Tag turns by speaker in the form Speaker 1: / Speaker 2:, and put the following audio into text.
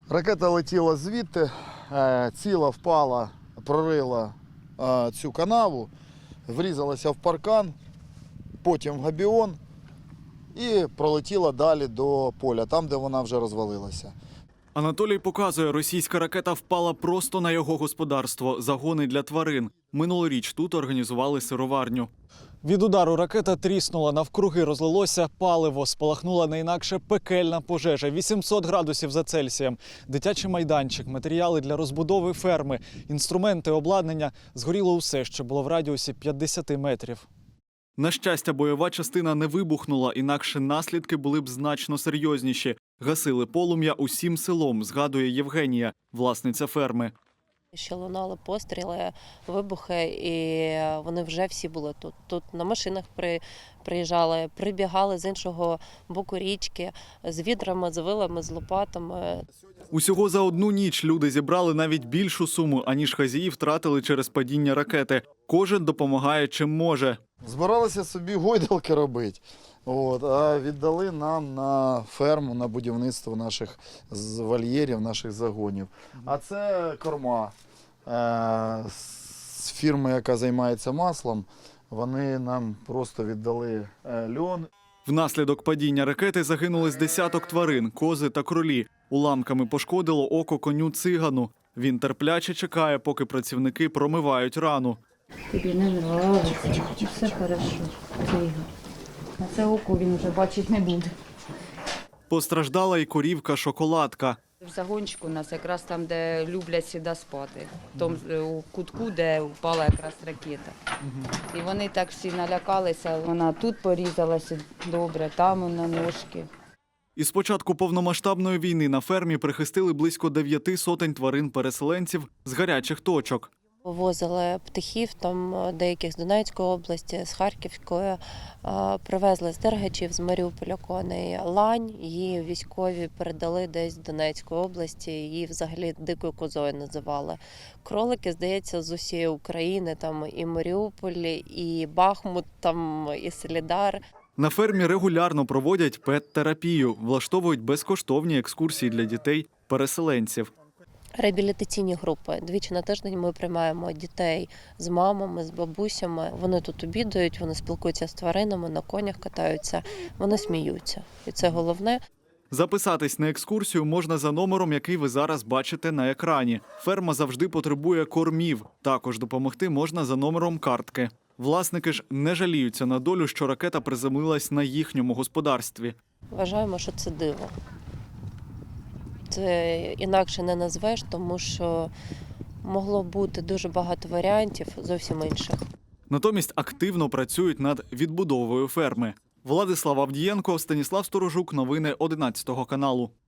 Speaker 1: Ракета летіла звідти, ціла впала, прорила цю канаву, врізалася в паркан, потім в габіон і пролетіла далі до поля, там, де вона вже розвалилася.
Speaker 2: Анатолій показує, російська ракета впала просто на його господарство – загони для тварин. Минулоріч тут організували сироварню. Від удару ракета тріснула, навкруги розлилося паливо, спалахнула не інакше пекельна пожежа. 800 градусів за Цельсієм. Дитячий майданчик, матеріали для розбудови ферми, інструменти, обладнання. Згоріло усе, що було в радіусі 50 метрів. На щастя, бойова частина не вибухнула, інакше наслідки були б значно серйозніші. Гасили полум'я усім селом, згадує Євгенія, власниця ферми.
Speaker 3: Ще лунали постріли, вибухи, і вони вже всі були тут. Тут на машинах приїжджали, прибігали з іншого боку річки, з відрами, з вилами, з лопатами.
Speaker 2: Усього за одну ніч люди зібрали навіть більшу суму, аніж хазії втратили через падіння ракети. Кожен допомагає чим може.
Speaker 1: Збиралися собі гойдалки робити, а віддали нам на ферму, на будівництво наших вольєрів, наших загонів. А це корма з фірми, яка займається маслом. Вони нам просто віддали льон.
Speaker 2: Внаслідок падіння ракети загинули з десяток тварин, кози та кролі. Уламками пошкодило око коню цигану. Він терпляче чекає, поки працівники промивають рану.
Speaker 4: Тобі не нравиться, все хорошо. А це око він вже бачити не буде.
Speaker 2: Постраждала і корівка-шоколадка.
Speaker 4: В загончику у нас якраз там, де люблять сюди спати. В тому у кутку, де впала якраз ракета. І вони так всі налякалися. Вона тут порізалася добре, там на ножки.
Speaker 2: Із початку повномасштабної війни на фермі прихистили близько 9 сотень тварин-переселенців з гарячих точок.
Speaker 3: Вивозили птахів, там деяких з Донецької області, з Харківської, привезли з Дергачів, з Маріуполя коней, лань, її військові передали десь з Донецької області, її взагалі дикою козою називали. Кролики, здається, з усієї України, там і Маріуполь, і Бахмут, там і Солідар.
Speaker 2: На фермі регулярно проводять пет-терапію, влаштовують безкоштовні екскурсії для дітей-переселенців.
Speaker 3: Реабілітаційні групи. Двічі на тиждень ми приймаємо дітей з мамами, з бабусями. Вони тут обідають, вони спілкуються з тваринами, на конях катаються, вони сміються. І це головне.
Speaker 2: Записатись на екскурсію можна за номером, який ви зараз бачите на екрані. Ферма завжди потребує кормів. Також допомогти можна за номером картки. Власники ж не жаліються на долю, що ракета приземлилась на їхньому господарстві.
Speaker 3: Вважаємо, що це диво. Це інакше не назвеш, тому що могло бути дуже багато варіантів зовсім інших.
Speaker 2: Натомість активно працюють над відбудовою ферми. Владислав Авдієнко, Станіслав Сторожук. Новини 11 каналу.